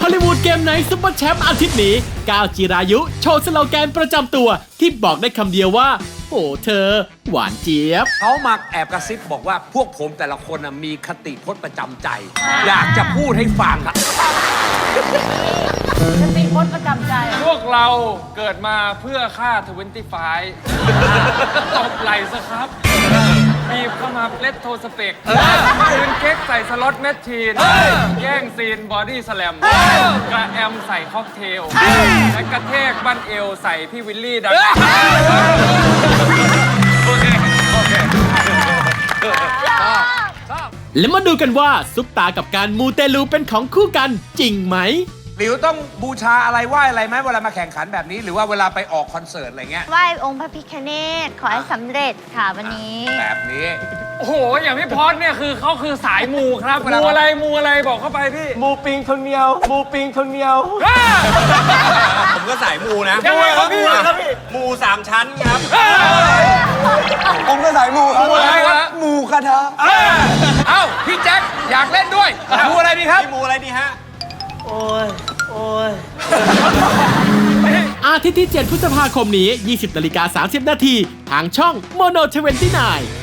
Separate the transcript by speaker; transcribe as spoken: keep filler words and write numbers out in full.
Speaker 1: อลลีวูดเกมไนท์ซุปเปอร์แชมป์อาทิตย์นี้ก้าวจิรายุโชว์สโลแกนประจำตัวที่บอกได้คำเดียวว่าโอ้เธอ หวานเจี๊ยบ
Speaker 2: เขามาแอบกระซิบบอกว่าพวกผมแต่ละคนน่ะมีคติพจน์ประจำใจ อยากจะพูดให้ฟัง
Speaker 3: สติพจน์ประจำใจ
Speaker 4: พวกเราเกิดมาเพื่อฆ่าทเวนตี้ไฟตบไหลซะครับบีบเข้ามาเล็ดโทสเปกคืนเค้กใส่สล็อตแมชชีนแย่งซีนบอดี้สแลมกระแอมใส่ค็อกเทลและกระเทกบั้นเอวใส่พี่วิลลี่ดังโอเค โอเค
Speaker 1: และมาดูกันว่าซุปตากับการมูเตลูเป็นของคู่กันจริงไหม
Speaker 2: หลิวต้องบูชาอะไรไหว้อะไรไหมเวลามาแข่งขันแบบนี้ หรือว่าเวลาไปออกคอนเสิร์ตอะไรเงี้ย
Speaker 5: ไหว้องค์พระพิฆเนศขอให้สำเร็จค่ะวันนี้
Speaker 2: แบบนี้
Speaker 4: โอ้โห อย่างพี่พอดเนี่ยคือเขาคือสายมูครับมูอะไรมูอะไรบอกเข้าไปพี่
Speaker 6: มูปิงคนเดียวมูปิงคนเดียว
Speaker 7: ผมก็สายมูนะ
Speaker 4: ยังไงครับพี่
Speaker 7: มูสามชั้นครับ
Speaker 6: ผมก็สายมูครับ
Speaker 4: มูอะไรวะ
Speaker 6: มูคาถา
Speaker 2: เอ้า พี่แจ็คอยากเล่นด้วยดูอะไรดีครับ
Speaker 7: พี่มูอะไรดีฮะ
Speaker 6: โอ้ย โอ้ย
Speaker 1: อาทิตย์ที่ เจ็ด พฤษภาคมนี้ ยี่สิบนาฬิกาสามสิบนาทีทางช่องโมโนทเวนตี้ไนน์